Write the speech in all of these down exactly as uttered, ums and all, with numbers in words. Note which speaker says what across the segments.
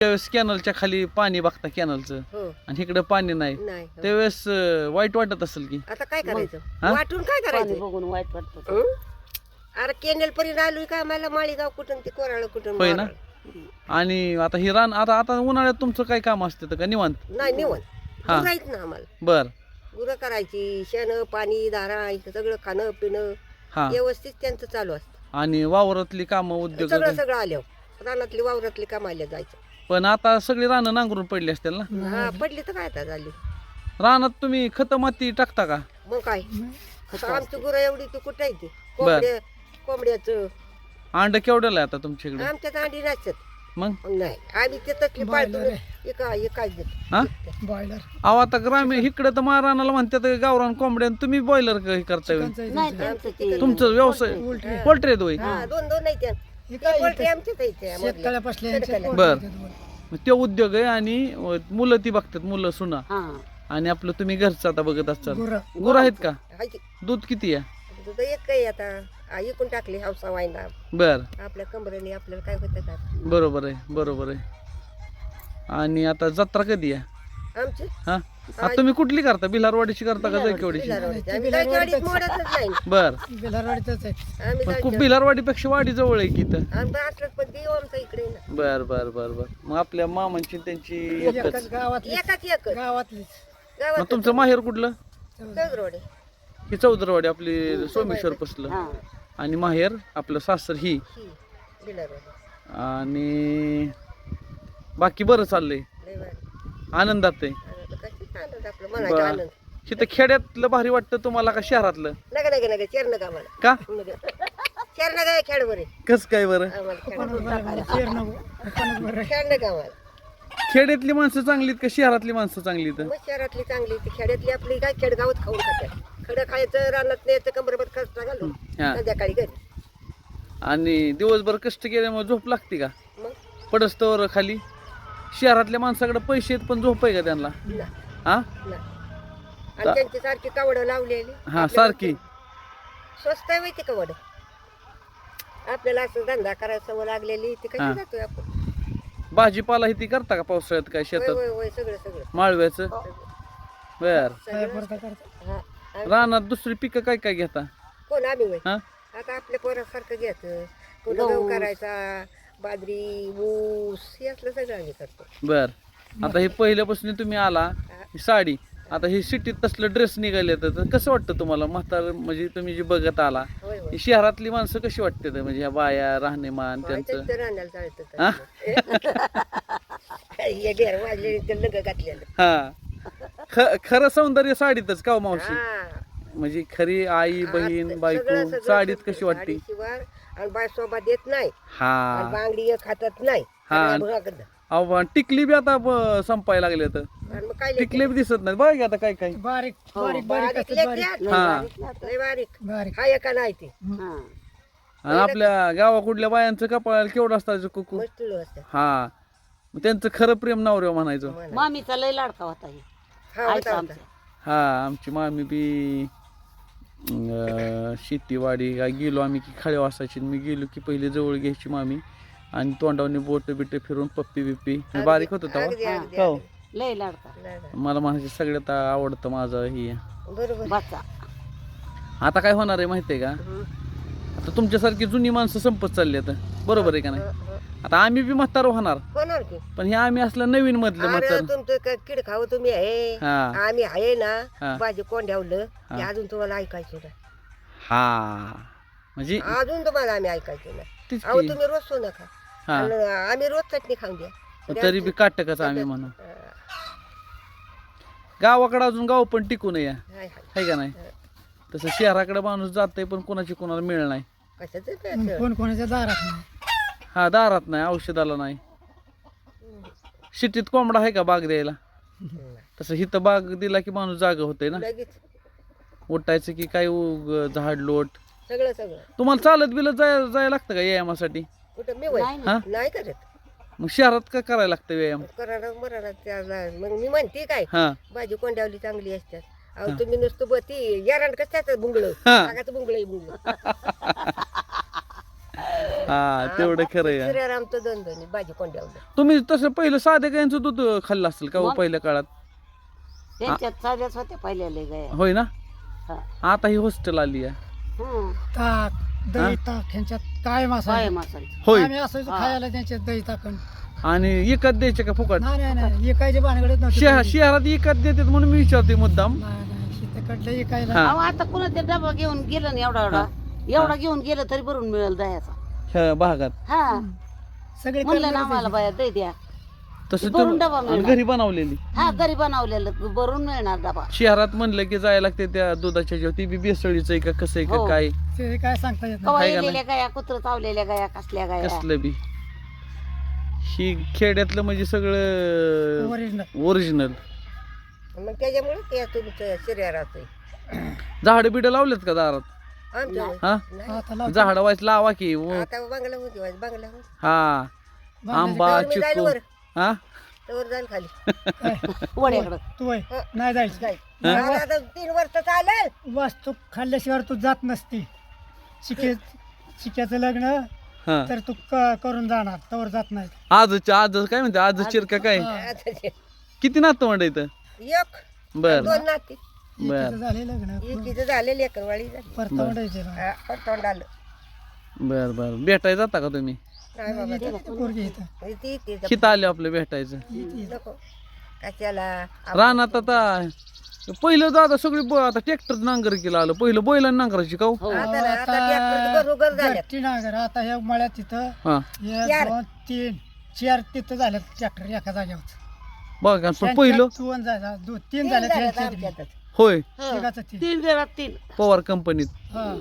Speaker 1: त्यावेळेस कॅनलच्या खाली पाणी बघता कॅनलचं
Speaker 2: हो
Speaker 1: आणि इकडे पाणी नाही
Speaker 2: नाही हो.
Speaker 1: त्यावेळेस अं, वाईट वाटत असेल की
Speaker 2: आता काय करायचं
Speaker 1: हा?
Speaker 2: वाटून काय
Speaker 3: पाणी
Speaker 2: करायचं
Speaker 3: बघून वाईट वाटतं
Speaker 2: हं? अरे केनेल पर्यंत आलोय का आम्हाला माळीगाव कुठून ते कोराळ कुठून
Speaker 1: होय ना?
Speaker 2: माराळ.
Speaker 1: आणि आता ही रान आता आता उन्हाळ्यात तुमचं काय काम असतं का निवांत
Speaker 2: नाही निवण
Speaker 1: हा.
Speaker 2: गुरायच ना आम्हाला
Speaker 1: बर
Speaker 2: गुरं करायची शेण पाणी दारा इथं सगळं खाणं पिणं
Speaker 1: हा
Speaker 2: व्यवस्थित त्यांचं चालू असतं
Speaker 1: आणि वावरातली कामं उद्योग
Speaker 2: सगळं सगळं आल्यावर रानातली वावरातली कामाला जायचं
Speaker 1: पण आता सगळी रानं नांगरून पडली असतील ना
Speaker 2: हा पडली तर काय आता झाली
Speaker 1: रानात तुम्ही खत माती टाकता का
Speaker 2: मग काय आता आमची गुरं एवढी तू कुठं आहे ती कोंबड्या कोंबड्याचं
Speaker 1: अंड केवढ्याला आहे आता तुमच्याकडे
Speaker 2: आमच्यात अंडी नसतात
Speaker 1: मग
Speaker 2: नाही आम्ही ते तसली पाळतो एका एकाच देतो
Speaker 1: हा
Speaker 4: बॉयलर
Speaker 1: अहो आता ग्रामीण इकडे तर महाराणाला म्हणतात गावरान कोंबड्यान तुम्ही बॉयलर करताय होय?
Speaker 3: नाही त्यांचं ते
Speaker 1: तुमचं व्यवसाय पोल्ट्री आहे
Speaker 2: हा दोन दोन नाही त्या पोल्ट्री आमच्याच आहे त्या मधल्या.
Speaker 4: शेतकऱ्यापासल्या
Speaker 1: बर मग ते उद्योग आहे आणि अं, मुलं ती बघतात मुलं सुना
Speaker 3: हा
Speaker 1: आणि आपलं तुम्ही घरचं आता बघत असतात
Speaker 4: गुरं.
Speaker 1: गुरं आहेत का
Speaker 2: हाय की.
Speaker 1: दूध किती आहे
Speaker 2: दुधाचं एक काही आता आ, इकून टाकली हौसा वायना
Speaker 1: बर
Speaker 2: आपल्या कमरेने आपल्याला काय होतं का
Speaker 1: बरोबर आहे बरोबर आहे आणि आता जत्रा कधी आहे
Speaker 2: आमची
Speaker 1: हा आता तुम्ही कुठली करता बिलारवाडीची करता का जायकवाडीची
Speaker 2: बिलारवाडीची. आम्ही जायकवाडीत मोडतच नाही
Speaker 1: बर
Speaker 4: बेलारवाडीतच आहे
Speaker 2: आम्ही
Speaker 1: पण खूप
Speaker 2: जायचं
Speaker 1: बिलारवाडीपेक्षा वाडी जवळ आहे की इथं
Speaker 2: आम्ही असलं पण देऊ आमचा इकडे ना
Speaker 1: बर बर बर बर मग आपल्या मामांची त्यांची एकच
Speaker 4: एकाच गावातली
Speaker 2: एकाच एकच
Speaker 4: गावातलीच
Speaker 1: मग
Speaker 2: गावात
Speaker 1: तुमचं माहेर कुठलं
Speaker 2: चौदरोडे
Speaker 1: ही चौदरवाडी आपली सोमेश्वर पसलं
Speaker 3: हा
Speaker 1: आणि माहेर आपलं सासर ही
Speaker 2: ही बिलारवाडी
Speaker 1: आणि बाकी बरं चाललंय
Speaker 2: लय भारी.
Speaker 1: आनंदात आहे
Speaker 2: आनंद कशाचा आनंद आपलं म्हणायचं
Speaker 1: बर.
Speaker 2: आनंद
Speaker 1: तिथं खेड्यातलं भारी वाटतं तुम्हाला का शहरातलं
Speaker 2: नका नका नका चेर नका आम्हाला
Speaker 1: का
Speaker 2: चेर नका खेळ बरे
Speaker 1: कस काय बरं
Speaker 2: आम्हाला खेळ
Speaker 4: बरं
Speaker 2: खेळ नका आम्हाला
Speaker 1: खेड्यातली माणसं चांगलीत का शहरातली माणसं चांगलीत
Speaker 2: मग शहरातली चांगली ती खेड्यातली आपली काय खेडगावात खाऊन खातात खडं खायचं रानात न्यायचं कंबरभर खर्च घालून
Speaker 1: हा.
Speaker 2: संध्याकाळी घरी
Speaker 1: आणि दिवसभर कष्ट केल्यामुळे झोप लागते का
Speaker 2: मग
Speaker 1: पडस्तवर खाली शहरातल्या माणसाकडे पैसे आहेत पण झोप आहे का त्यांना
Speaker 2: ना
Speaker 1: हा
Speaker 2: ना आणि त्यांची सारखी कवडं लावलेली
Speaker 1: हा सारखी
Speaker 2: स्वस्त आहे माहिती कवड आपल्याला असं धंदा करायला सवय लागलेली ती
Speaker 1: हा.
Speaker 2: कशी जातोय आपण
Speaker 1: भाजीपाला ही ती करता का पावसाळ्यात काय
Speaker 2: होय
Speaker 1: शेतात
Speaker 2: होय होय सगळं सगळं
Speaker 1: माळव्याचं बर
Speaker 2: सगळं हा.
Speaker 1: रानात दुसरी पिकं काय काय घेता
Speaker 2: कोण आम्ही होय
Speaker 1: हा
Speaker 2: आता आपल्या पोरासारखं घ्यायचं कुठं गहू करायचा बाजरी ऊस हे असलं सगळं आम्ही करतो
Speaker 1: बर आता हे पहिल्यापासून तुम्ही आला ही साडी आता ही सिटीत तसलं ड्रेस निघाले तर कसं वाटतं तुम्हाला म्हातार म्हणजे तुम्ही जे बघत आला
Speaker 2: होय होय
Speaker 1: ही शहरातली माणसं कशी वाटते म्हणजे ह्या बाया राहणीमान त्यांचं
Speaker 2: त्यांचं राहण्याला चालतं
Speaker 1: हा?
Speaker 2: हे घेर वाजले ते लग घातलेलं
Speaker 1: हा ख- खरं सौंदर्य साडीतच का हो मावशी
Speaker 2: हा.
Speaker 1: म्हणजे खरी आई बहीण
Speaker 2: सगळं-
Speaker 1: बायको
Speaker 2: सगळं-
Speaker 1: साडीत
Speaker 2: सगळं.
Speaker 1: कशी वाटते
Speaker 2: साडीशिवाय आणि बाय सोबा देत नाही आणि
Speaker 1: हा
Speaker 2: बांगडी एक हातात नाही
Speaker 1: हा.
Speaker 2: सगळ्या भागात.
Speaker 1: अहो टिकली बी आता ब- संपायला लागले तर
Speaker 2: आणि मग काय
Speaker 1: टिकले बी दिसत नाही बघा की आता काय काय
Speaker 4: बारीक
Speaker 3: हो,
Speaker 4: बारीक बारीक
Speaker 2: बारीक
Speaker 4: असतात, बारीक
Speaker 2: लेकऱ्यात.
Speaker 1: हा
Speaker 2: लय बारीक
Speaker 4: बारीक
Speaker 2: हा एका नाही ते
Speaker 3: हा
Speaker 1: आणि आपल्या गावाकुडल्या बायांचं कपाळ केवढं असतं कुकू
Speaker 2: मस्त असतात
Speaker 1: हा मग त्यांचं खरं प्रेम नवऱ्या म्हणायचं
Speaker 2: म्हणा.
Speaker 3: मामीचा लय लाडका होता हे.
Speaker 2: हा होता
Speaker 3: आईचा
Speaker 2: होता
Speaker 3: आमचा
Speaker 1: हा आमची मामी बी अं, शेतीवाडी काय गेलो आम्ही की खाळी वासायची मी गेलो की पहिले जवळ घ्यायची मामी आणि तोंडावनी बोट बिट फिरून पप्पी बिप्पी मी बारीक होतो
Speaker 2: अगदी
Speaker 1: तेव्हा
Speaker 2: अगदी
Speaker 1: हो
Speaker 3: लय लाडका
Speaker 2: नाही, नाही.
Speaker 1: मला म्हणायचे सगळ्यात आवडतं माझं ही
Speaker 2: बरोबर
Speaker 3: बाचा
Speaker 1: आता काय होणार आहे माहिती आहे का
Speaker 2: हं.
Speaker 1: आता तुमच्यासारखी जुनी माणसं संपत चालली आता बरोबर आहे का नाही
Speaker 2: हं, हं.
Speaker 1: आता आम्ही बी म्हातार होणार
Speaker 2: होणार की
Speaker 1: पण हे आम्ही असलं नवीन मधलं
Speaker 2: अरे
Speaker 1: म्हातार
Speaker 2: तुमचं काय किड खावं तुम्ही आहे
Speaker 1: हा
Speaker 2: आम्ही आहे
Speaker 1: हा.
Speaker 2: ना भाजी कोण ठेवलं
Speaker 1: हा.
Speaker 2: ते अजून तुम्हाला ऐकायचं ना
Speaker 1: हा म्हणजे
Speaker 2: अजून तुम्हाला आम्ही ऐकायचं ना
Speaker 1: तीच
Speaker 2: अहो
Speaker 1: की
Speaker 2: तुम्ही रोज सोनं खा
Speaker 1: हा
Speaker 2: आणि आम्ही रोज चटणी खाऊन द्या
Speaker 1: तरी बी काटकच आम्ही म्हणू
Speaker 2: हा.
Speaker 1: गावाकडे अजून गाव पण टिकून या
Speaker 2: हाय हाय
Speaker 1: आहे का नाही तसं शहराकडे माणूस जातंय पण कोणाची कोणाला मिळ नाही
Speaker 2: कशाचं ते असं?
Speaker 4: कोण कोणाच्या दारात नाही
Speaker 1: हा दारात नाही औषधाला नाही सिटीत कोंबडा आहे का बाग द्यायला तसं हिथं बाग दिला की माणूस जागा होतंय ना
Speaker 2: लगेच
Speaker 1: उठायचं की काय उग- झाड लोट
Speaker 2: सगळं सगळं
Speaker 1: तुम्हाला चालत बिलत जाय जायला लागतं का व्यायामासाठी
Speaker 2: कुठं मी वय
Speaker 3: नाही ना
Speaker 1: हा
Speaker 2: नाही करत
Speaker 1: मग शहरात का करायला लागतं व्यायाम
Speaker 2: करायला मरायला त्याला मग मी म्हणते काय
Speaker 1: हा
Speaker 2: भाजी कोंड्यावली चांगली असतात अहो तुम्ही नुसतं बती यारांड कसं त्याचं बुंगळ
Speaker 1: हा.
Speaker 2: आगाचं बुंगळ बुंगळ
Speaker 1: हा तेवढं खरं आहे.
Speaker 2: श्रीरामचं दोन दोन भाजी कोंड्यावलं
Speaker 1: तुम्ही तसं पहिलं साधे गायांचं दूध खाल्लं असेल का हो
Speaker 3: मग?
Speaker 1: पहिल्या काळात?
Speaker 3: त्यांच्यात साध्याच होत्या पहिल्याला गाया
Speaker 1: होय ना.
Speaker 3: हा.
Speaker 1: आता ही हॉस्टेल आली आहे.
Speaker 3: हं.
Speaker 4: ताक दही ताक ह्यांच्यात काय मासा
Speaker 3: काय मासायचं
Speaker 1: होय.
Speaker 4: आम्ही असायचो
Speaker 3: हा.
Speaker 4: खायला त्यांच्यात दही ताकण
Speaker 1: आणि एकाच द्यायचे का फुकट?
Speaker 4: नाही नाही नाही एकायचे भानगडत नव्हते
Speaker 1: शहर शहरात एकाच देतात म्हणून मी विचारते मुद्दाम.
Speaker 4: नाही नाही शेताकडलं एकायला
Speaker 1: हा.
Speaker 3: अहो आता कुणा ते डबा घेऊन गेलं ना एवढा एवढा एवढा घेऊन गेलं तरी भरून मिळेल दह्याचा
Speaker 1: ह्या भागात
Speaker 3: हा
Speaker 4: सगळे
Speaker 3: म्हणलं ना
Speaker 4: कर्मचारी
Speaker 3: आम्हाला बाया दही द्या
Speaker 1: तसं
Speaker 3: भरून
Speaker 1: तुम्ही-
Speaker 3: डबा
Speaker 1: आणि
Speaker 3: मिळणार.
Speaker 1: घरी बनवलेली.
Speaker 3: हा घरी बनवलेलं भरून मिळणार डबा
Speaker 1: शहरात म्हणलं की जायला लागते त्या दुधाच्या जेव्हा ती बी बेसळीचं आहे का कसं आहे का
Speaker 3: हो.
Speaker 1: काय
Speaker 4: ते काय सांगता येत
Speaker 3: कवा
Speaker 1: हाय का
Speaker 3: येलेल्या गाया कुत्र चावलेल्या गाया कसल्या गाया
Speaker 1: कसलं बी. ही खेड्यातलं म्हणजे सगळं
Speaker 4: ओरिजिनल
Speaker 1: ओरिजिनल.
Speaker 2: मग त्याच्यामुळे ते तुमचं शरीराचं
Speaker 1: झाड बिड लावलेत का दारात?
Speaker 2: आमच्या
Speaker 1: हा
Speaker 4: आता लावतो.
Speaker 1: झाड वाच लावा की व-
Speaker 2: आता बांगला होती वाज बांगला होती
Speaker 1: हा आंबा
Speaker 2: तर मी जाईल
Speaker 1: चिकू
Speaker 2: वर
Speaker 1: हा
Speaker 2: तर जाईल खाली
Speaker 3: वड्याकडं
Speaker 4: तू होय
Speaker 2: हं.
Speaker 4: नाही जायचं
Speaker 2: जाईल आता आता तीन वर्ष चालेल
Speaker 4: वस्तू खाल्ल्याशिवाय तू जात नसती शिके शिक्याचं लग्न
Speaker 1: हा
Speaker 4: तर तू क- करून जाणार तवर जात नाही
Speaker 1: आजच आज काय म्हणते आज चिरका काय
Speaker 4: हा.
Speaker 2: आता ते
Speaker 1: किती नातं म्हणत इथं?
Speaker 2: एक
Speaker 1: बर
Speaker 2: दोन नाती
Speaker 1: बर
Speaker 4: एकीचं झाले लग्न
Speaker 2: एकीचं झाले लेकरवाळी झाली
Speaker 4: परता म्हणायचे ना
Speaker 2: हा, पण तोंड आलं
Speaker 1: बर बर भेटायला जाता का तुम्ही?
Speaker 2: नाही बाबा
Speaker 4: येते ती पोरगी इथं
Speaker 2: ती ती तिचं
Speaker 1: किती आले आपलं भेटायचं?
Speaker 4: येते इथं.
Speaker 2: नको कशाला
Speaker 1: रानात आता पहिलं दादा सगळी ब- आता ट्रॅक्टर नांगर केला आलं पहिलं बैलांना नांगरायची का हो?
Speaker 3: हो
Speaker 2: आता ना आता ट्रॅक्टर बरोबर झाल्यात
Speaker 4: गट्टी नांगर आता ह्या मळ्यात तिथं
Speaker 1: हा
Speaker 4: एक
Speaker 2: चार.
Speaker 4: दोन तीन चार तिथं झाल्यात ट्रॅक्टर एका जागेवर
Speaker 1: बघा पण पहिलं
Speaker 4: दोन झाल्या दोन तीन
Speaker 2: तीन
Speaker 4: झाल्यात
Speaker 2: झाल्यात
Speaker 4: ह्यांच्यात बी.
Speaker 2: आमच्यातच.
Speaker 1: होय
Speaker 3: हं.
Speaker 4: तिघाचं तीन
Speaker 3: तीन वेळा तीन
Speaker 1: पवार कंपनीत
Speaker 4: हा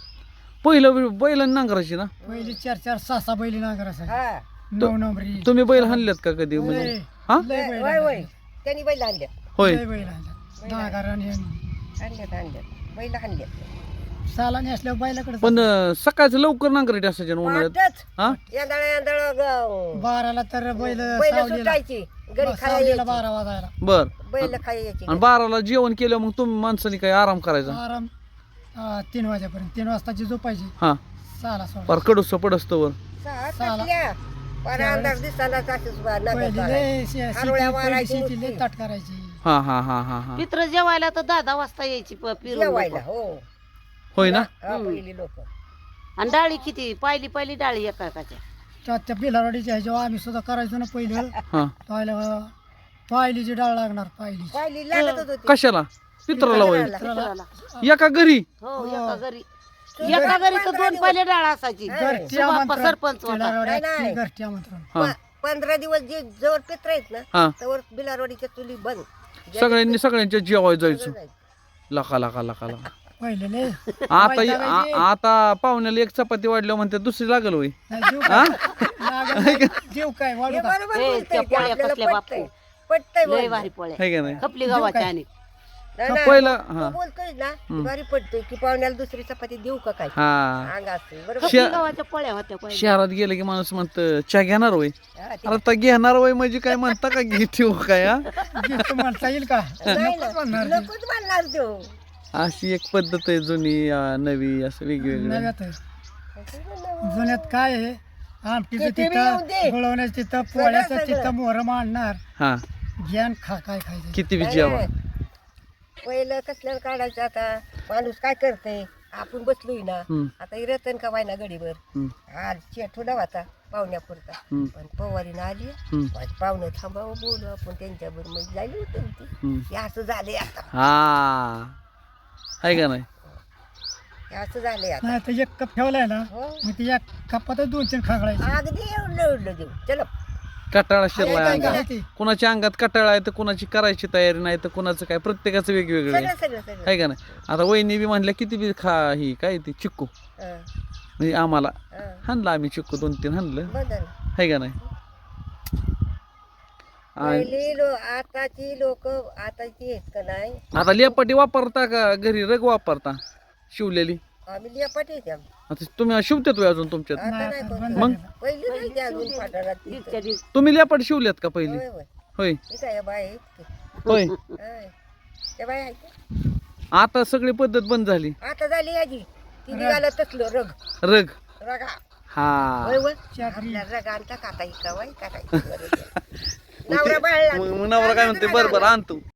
Speaker 1: पहिलं बैलांना नांगरायची ना.
Speaker 4: पहिली चार चार सहा सहा बैली नांगर असायची
Speaker 2: हा
Speaker 4: नऊ नंबरी
Speaker 1: तुम्ही बैल हाणल्यात का कधी म्हणजे
Speaker 4: लय-
Speaker 1: हा
Speaker 4: लय बैल
Speaker 2: वय वय
Speaker 4: आणल्यात.
Speaker 2: त्यांनी बैल आणल्या
Speaker 1: होय
Speaker 4: लय बैल आणल्यात. नांगर आणि
Speaker 2: आणल्यात आणल्यात बैल आणल्यात
Speaker 4: सालाने असल्यावर बैलाकडे
Speaker 1: पण अं, सकाळचं लवकर नांगरायची असायची ना उन्हाळ्यात
Speaker 2: पाहतच
Speaker 1: हा
Speaker 2: यंदाळा यंदाळा
Speaker 4: बाराला तर बैल
Speaker 2: बैल
Speaker 4: सावलीला
Speaker 2: सुटायची घरी खायला
Speaker 4: सावलीला
Speaker 2: यायची
Speaker 4: बारा वाजायला
Speaker 1: बर
Speaker 2: बैल खायला यायची
Speaker 1: आणि बाराला जेवण केलं मग तुम्ही माणसाने काय आराम करायचा?
Speaker 4: आराम हा, तीन वाजेपर्यंत तीन वाजताची झोपायची
Speaker 1: हा
Speaker 4: सहाला सोडा
Speaker 1: पार कडूस पडस्तवर
Speaker 2: सहा
Speaker 4: साला.
Speaker 2: कसल्या पर अंधार दिसताना तासच बाहेर
Speaker 4: पहिली
Speaker 2: नगत
Speaker 4: लय शे-
Speaker 2: आरोळ्या
Speaker 4: शेती- पहिली
Speaker 2: मारायची
Speaker 4: शेती लय
Speaker 2: नुसती.
Speaker 4: ताट करायची
Speaker 1: हा हा हा हा हा
Speaker 3: पित्र जेवायला तर दहा दहा वाजता यायची प- फिरून
Speaker 2: जेवायला
Speaker 3: लोकं.
Speaker 2: हो
Speaker 1: होय ना.
Speaker 2: हा पहिली लोक
Speaker 3: आणि डाळी किती पाहिली पहिली डाळी एका एकाच्या
Speaker 4: त्या त्या बिलारवाडीच्या ह्याच्यावर आम्ही सुद्धा करायचो ना पहिलं
Speaker 1: हा
Speaker 4: पाहिलं पायलीची डाळ लागणार पायली
Speaker 2: पहिली लागत होती
Speaker 1: कशाला? पित्राला होय
Speaker 3: पित्राला.
Speaker 1: एका घरी
Speaker 3: हो एका घरी एका घरी तर दोन पहिले डाळ असायची
Speaker 4: घरटी
Speaker 3: सुबाप्पा
Speaker 4: आमंत्रण
Speaker 3: सरपंच होता
Speaker 2: नाही, नाही.
Speaker 4: घरटी आमंत्रण
Speaker 1: हा
Speaker 2: प- पंधरा दिवस जे जवळ पित्र आहेत ना
Speaker 1: हा
Speaker 2: त्यावर बिलारवाडीच्या चुली बंद
Speaker 1: सगळ्यांनी सगळ्यांच्या जेवाय जायचं.
Speaker 2: सगळं जायचं.
Speaker 1: लका लका लका लका
Speaker 4: पहिले लय
Speaker 1: आता आ- आता पाहुण्याला एक चपाती वाढल्या म्हणते दुसरी लागल होय.
Speaker 4: नाही, जीव काय लागत नाही. जीव काय वाढू
Speaker 2: हे
Speaker 4: का
Speaker 2: बरोबर
Speaker 3: हे,
Speaker 2: बोलतोय
Speaker 3: त्या
Speaker 2: की
Speaker 3: पोळ्या
Speaker 2: आपल्याला
Speaker 3: कसल्या
Speaker 2: पटतंय.
Speaker 3: बापू.
Speaker 2: पटतंय
Speaker 3: लय
Speaker 2: बोलणं.
Speaker 3: भारी पोळ्या
Speaker 1: है का नाही?
Speaker 3: खपली गावाच्या आणि
Speaker 2: नाही, नाही.
Speaker 1: पहिला
Speaker 2: तू
Speaker 1: हा
Speaker 2: बोलतोय ना भारी पडतोय की पाहुण्याला दुसरी चपाती देऊ का काय
Speaker 1: हा
Speaker 2: अंग असते बरोबर
Speaker 3: खपली
Speaker 1: शे-
Speaker 3: गावाच्या पोळ्या होत्या पहिले
Speaker 1: शहरात गेलं की माणूस म्हणत चहा घेणार होय.
Speaker 2: हा, ते-
Speaker 1: आता घेणार होय म्हणजे काय म्हणता का घे ठेवू काय हा?
Speaker 4: गिफ्ट म्हणता येईल का
Speaker 2: नाही
Speaker 4: नकोच
Speaker 2: ना,
Speaker 4: म्हणणार ते.
Speaker 2: नकोच म्हणणार तो
Speaker 1: अशी एक पद्धत आहे जुनी अं, नवी असं वेगवेगळं.
Speaker 4: नव्यात आहे. जुन्यात काय आहे आमटीचं
Speaker 2: किती बी येऊ दे.
Speaker 4: तिथं गुळवण्याचं तिथं पोळ्याचं
Speaker 2: सगळं.
Speaker 4: तिथं मोहर मांडणार
Speaker 1: हा
Speaker 4: ज्ञान खा काय खायचं
Speaker 1: किती बी
Speaker 2: नाही,
Speaker 1: जेवा
Speaker 2: नाही. पहिलं कसल्याला काढायचं आता माणूस काय करते आपण बसलोय ना
Speaker 1: हम्म,
Speaker 2: आता ही रतन का वायना गडीवर
Speaker 1: हम्म,
Speaker 2: आज थोडा होता पाहुण्यापुरता
Speaker 1: हम्म,
Speaker 2: पण पवारीनं आली
Speaker 1: हम्म,
Speaker 2: आज पाहुणं थांबावं बोलू आपण त्यांच्याबरोबर मग जायला होतं ती
Speaker 1: हम्म.
Speaker 2: हे असं झालंय आता
Speaker 1: हा आहे का नाही?
Speaker 2: हे असं झालंय आता
Speaker 4: नाही तर एक कप ठेवलाय ना
Speaker 2: हो
Speaker 4: मग ते एक कपातच दोन तीन खागळायचे
Speaker 2: अगदी एवढं एवढं देऊ चलो
Speaker 1: कटाळा शिरलाय
Speaker 2: काय
Speaker 1: अंगात.
Speaker 2: काय?
Speaker 4: ते
Speaker 1: कुणाच्या अंगात कटाळा आहे तर कुणाची करायची तयारी नाही तर कुणाचं काय प्रत्येकाचं वेगवेगळं आहे.
Speaker 2: सगळं सगळं सगळं
Speaker 1: आहे का नाही? आता वहिनी बी म्हणल्या किती बी खा ही काय ती चिक्कू
Speaker 2: हं,
Speaker 1: म्हणजे आम्हाला
Speaker 2: हं.
Speaker 1: हाणलं आम्ही चिक्कू दोन तीन हाणलं
Speaker 2: बदल
Speaker 1: आहे का नाही? आणि
Speaker 2: पहिली लो आताची लोक आताची आहेत का नाही
Speaker 1: आता लेपाटी वापरता का घरी रग वापरता शिवलेली?
Speaker 2: आम्ही लियापाटी आहेत आम्ही.
Speaker 1: आता तुम्ही शिवतेत होय अजून तुमच्यात?
Speaker 2: आता नाही
Speaker 4: नाही,
Speaker 2: कोण
Speaker 4: बंद
Speaker 2: करत.
Speaker 1: मग?
Speaker 2: पहिली नाही ती अजून पाठारात ती.
Speaker 3: दीडच्या दीड
Speaker 1: तुम्ही लेपाट शिवल्यात का पहिली?
Speaker 2: होय होय
Speaker 1: होय
Speaker 2: ही काय बाय आहेत की.
Speaker 1: होय
Speaker 2: होय. त्या बाय आहेत की.
Speaker 1: आता सगळी पद्धत बंद झाली.
Speaker 2: आता झाली याची ती निघालं तसलं रग
Speaker 1: रग
Speaker 2: रगा
Speaker 1: हा
Speaker 2: होय होय.
Speaker 4: चाकरी.
Speaker 2: आपल्या रगा आणता का आता इकावाय करायचं नवरा बाळला
Speaker 1: मग मग नवरा काय म्हणते बरं बरं आणतो